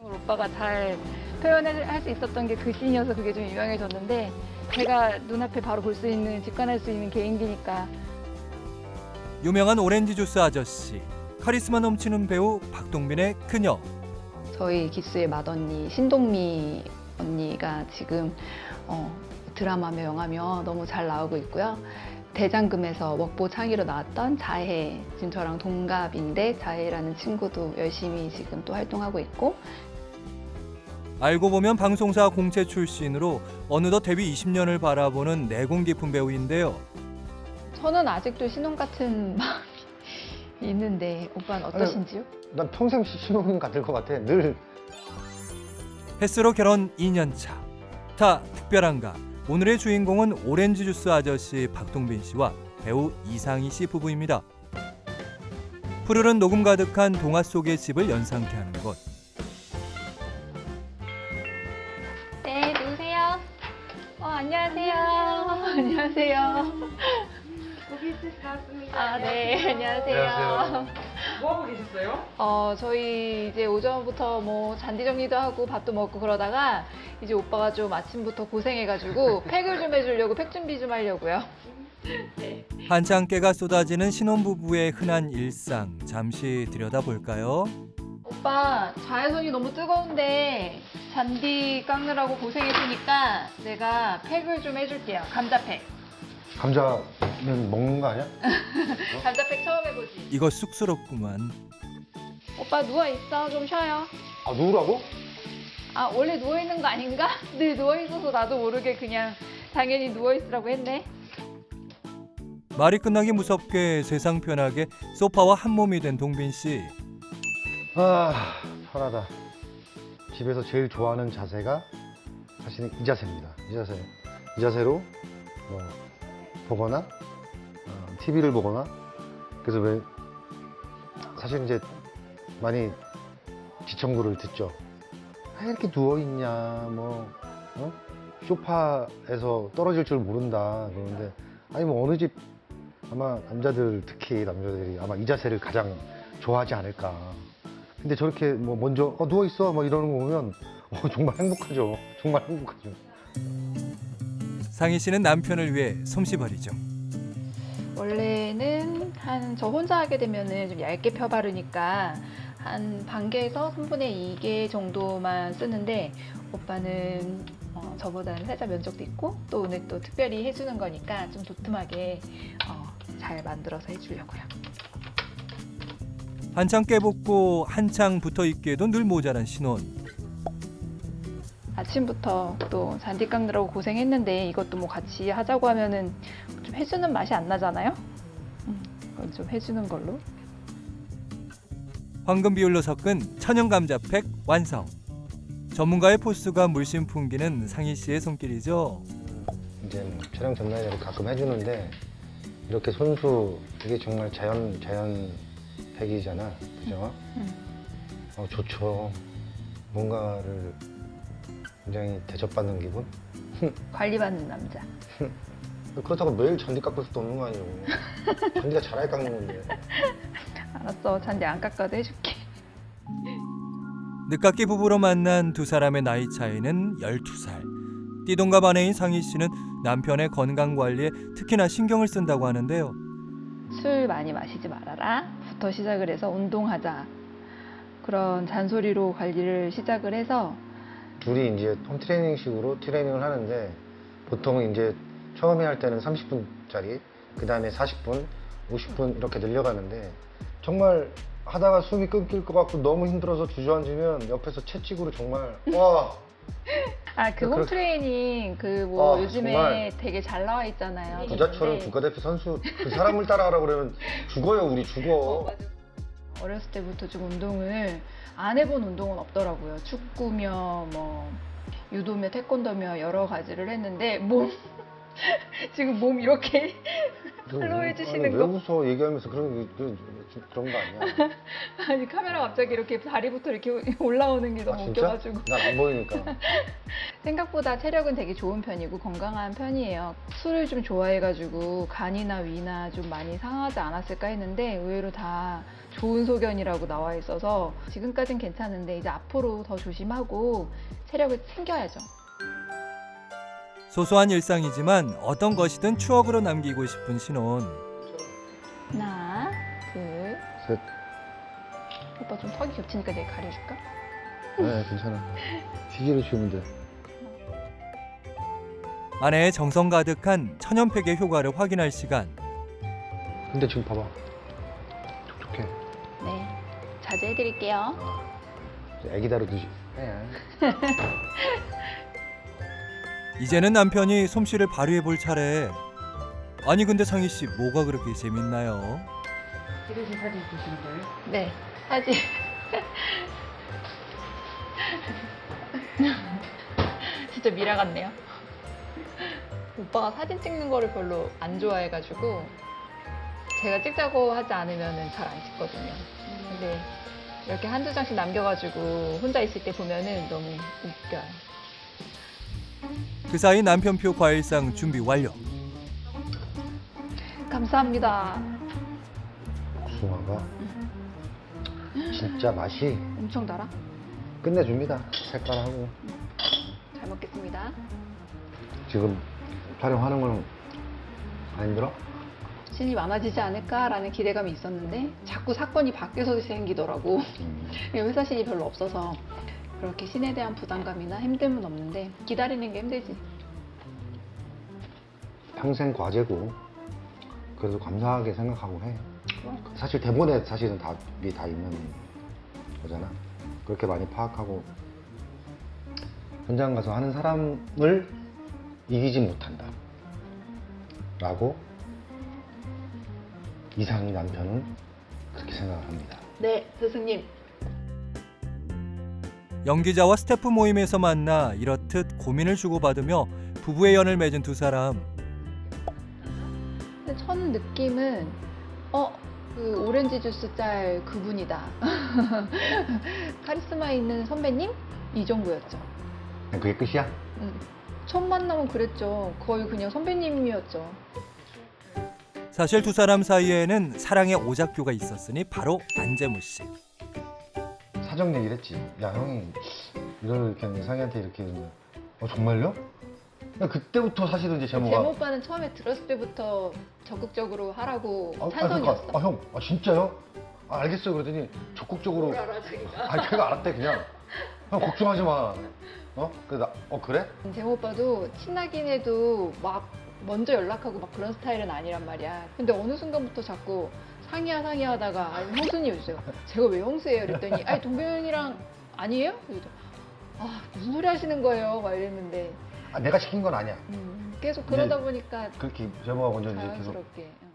오빠가 잘 표현할 수 있었던 게 그 씬이어서 그게 좀 유명해졌는데 제가 눈앞에 바로 볼 수 있는, 직관할 수 있는 개인기니까. 유명한 오렌지 주스 아저씨, 카리스마 넘치는 배우 박동빈의 그녀. 저희 기수의 맏언니 신동미 언니가 지금 드라마며 영화며 너무 잘 나오고 있고요. 대장금에서 먹보 창의로 나왔던 자해, 지금 저랑 동갑인데 자해라는 친구도 열심히 지금 또 활동하고 있고. 알고 보면 방송사 공채 출신으로 어느덧 데뷔 20년을 바라보는 내공 깊은 배우인데요. 저는 아직도 신혼 같은 마음이 있는데 오빠는 어떠신지요? 난 평생 신혼인 같을 것 같아. 늘. 햇스로 결혼 2년 차. 다 특별한가? 오늘의 주인공은 오렌지 주스 아저씨 박동빈 씨와 배우 이상희 씨 부부입니다. 푸르른 녹음 가득한 동화 속의 집을 연상케 하는 곳. 네, 누구세요? 안녕하세요. 안녕하세요. 고깃집 나왔습니다. 아, 네, 안녕하세요. 뭐 하고 계셨어요? 저희 이제 오전부터 뭐 잔디 정리도 하고 밥도 먹고 그러다가 이제 오빠가 좀 아침부터 고생해가지고 팩을 좀 해주려고 팩 준비 좀 하려고요. 네. 한창 깨가 쏟아지는 신혼부부의 흔한 일상 잠시 들여다볼까요? 오빠 자외선이 너무 뜨거운데 잔디 깎느라고 고생했으니까 내가 팩을 좀 해줄게요. 감자팩. 감자는 먹는 거 아니야? 감자팩 처음 해보지. 이거 쑥스럽구만. 오빠 누워있어. 좀 쉬어요. 아, 누구라고? 아, 원래 누워있는 거 아닌가? 늘 누워있어서 나도 모르게 그냥 당연히 누워있으라고 했네. 말이 끝나기 무섭게 세상 편하게 소파와 한 몸이 된 동빈 씨. 아, 편하다. 집에서 제일 좋아하는 자세가 사실은 이 자세입니다. 이 자세로 뭐 보거나 TV를 보거나. 그래서 왜 사실 이제 많이 지청구를 듣죠. 왜 이렇게 누워 있냐, 뭐 소파에서 떨어질 줄 모른다 그러는데, 아니 뭐 어느 집 아마 남자들, 특히 남자들이 아마 이 자세를 가장 좋아하지 않을까. 근데 저렇게 뭐 먼저 누워 있어 뭐 이러는 거 보면 정말 행복하죠. 정말 행복하죠. 상희 씨는 남편을 위해 솜씨발이죠. 원래는 저 혼자 하게 되면은 좀 얇게 펴 바르니까 한 반 개에서 3분의 2개 정도만 쓰는데 오빠는 저보다는 살짝 면적도 있고 또 오늘 또 특별히 해주는 거니까 좀 도톰하게 잘 만들어서 해주려고요. 한창 깨붙고 한창 붙어있기에도 늘 모자란 신혼. 아침부터 또 잔디 깎느라고 고생했는데 이것도 뭐 같이 하자고 하면은 좀 해주는 맛이 안 나잖아요? 그건 좀 해주는 걸로. 황금 비율로 섞은 천연 감자팩 완성. 전문가의 포스가 물씬 풍기는 상희 씨의 손길이죠. 이제 촬영 전날에 가끔 해주는데 이렇게 손수, 이게 정말 자연팩이잖아, 그죠? 좋죠. 뭔가를 굉장히 대접받는 기분? 관리받는 남자. 그렇다고 매일 잔디 깎을 수도 없는 거 아니에요. 잔디가 잘할 깎는 건데. 알았어, 잔디 안 깎아도 해줄게. 늦깎이 부부로 만난 두 사람의 나이 차이는 12살. 띠동갑 아내인 상희 씨는 남편의 건강 관리에 특히나 신경을 쓴다고 하는데요. 술 많이 마시지 말아라 부터 시작을 해서 운동하자 그런 잔소리로 관리를 시작을 해서 둘이 이제 홈트레이닝식으로 트레이닝을 하는데 보통은 이제 처음에 할 때는 30분짜리, 그 다음에 40분, 50분 이렇게 늘려가는데 정말 하다가 숨이 끊길 것 같고 너무 힘들어서 주저앉으면 옆에서 채찍으로 정말 와. 그 그렇게- 홈트레이닝 요즘에 정말 되게 잘 나와 있잖아요. 부자처럼 근데 국가대표 선수 그 사람을 따라하라고 그러면 죽어요. 우리 죽어. 맞아. 어렸을 때부터 좀 운동을 안 해본 운동은 없더라고요. 축구며 뭐 유도며 태권도며 여러 가지를 했는데 지금 몸 이렇게 팔로우 해주시는 아니, 왜 거. 웃어? 얘기하면서 그런 거 아니야. 아니 카메라 갑자기 이렇게 다리부터 이렇게 올라오는 게 너무 아, 진짜? 웃겨가지고. 난 안 보이니까. 생각보다 체력은 되게 좋은 편이고 건강한 편이에요. 술을 좀 좋아해가지고 간이나 위나 좀 많이 상하지 않았을까 했는데 의외로 다 좋은 소견이라고 나와 있어서 지금까진 괜찮은데 이제 앞으로 더 조심하고 체력을 챙겨야죠. 소소한 일상이지만 어떤 것이든 추억으로 남기고 싶은 신혼. 하나, 둘. 셋. 오빠 좀 턱이 겹치니까 내가 가려줄까? 네, 괜찮아. 휴지를 주면 돼. 아내의 정성 가득한 천연팩의 효과를 확인할 시간. 근데 지금 봐봐. 촉촉해. 네, 자주 해드릴게요. 애기 다루듯이. 이제는 남편이 솜씨를 발휘해 볼 차례. 아니 근데 상희 씨 뭐가 그렇게 재밌나요? 찍으신 사진 보시는 거예요? 네, 사진. 진짜 미라 같네요. 오빠가 사진 찍는 거를 별로 안 좋아해가지고 제가 찍자고 하지 않으면 잘 안 찍거든요. 근데 이렇게 한두 장씩 남겨가지고 혼자 있을 때 보면은 너무 웃겨요. 그 사이 남편표 과일상 준비 완료. 감사합니다. 복숭아가 진짜 맛이 엄청 달아? 끝내줍니다. 색깔하고. 잘 먹겠습니다. 지금 촬영하는 건 안 힘들어? 신이 많아지지 않을까라는 기대감이 있었는데 자꾸 사건이 바뀌어서 생기더라고. 회사 신이 별로 없어서 그렇게 신에 대한 부담감이나 힘듦은 없는데 기다리는 게 힘들지. 평생 과제고 그래도 감사하게 생각하고 해. 사실 대본에 사실은 답이 다 있는 거잖아. 그렇게 많이 파악하고 현장 가서 하는 사람을 이기지 못한다 라고 이상희 남편은 그렇게 생각을 합니다. 네, 스승님. 연기자와 스태프 모임에서 만나 이렇듯 고민을 주고받으며 부부의 연을 맺은 두 사람. 근데 첫 느낌은 그 오렌지 주스 짤 그분이다. 카리스마 있는 선배님? 이 정도였죠. 그게 끝이야? 첫 만남은 그랬죠. 거의 그냥 선배님이었죠. 사실 두 사람 사이에는 사랑의 오작교가 있었으니 바로 안재무 씨. 사정 얘기를 했지. 야, 형이 이렇게 이상희한테 이렇게 했는데 정말요? 그때부터 사실은 이제 제모 제모가 오빠는 처음에 들었을 때부터 적극적으로 하라고 그러니까, 찬성이었어. 형, 진짜요? 알겠어요. 그러더니 적극적으로. 알아, 자기가. 걔가 알았대 그냥. 형 걱정하지 마. 그래 그래? 제모 오빠도 친하긴 해도 막 먼저 연락하고 막 그런 스타일은 아니란 말이야. 근데 어느 순간부터 자꾸 상의야 하다가 아니 형수님 해주세요. 제가 왜 형수예요? 그랬더니 아니 동경이랑 아니에요? 그래서 무슨 소리 하시는 거예요? 막 이랬는데 내가 시킨 건 아니야. 계속 그러다 보니까 그렇게 제모가 먼저 이제 계속 자연스럽게.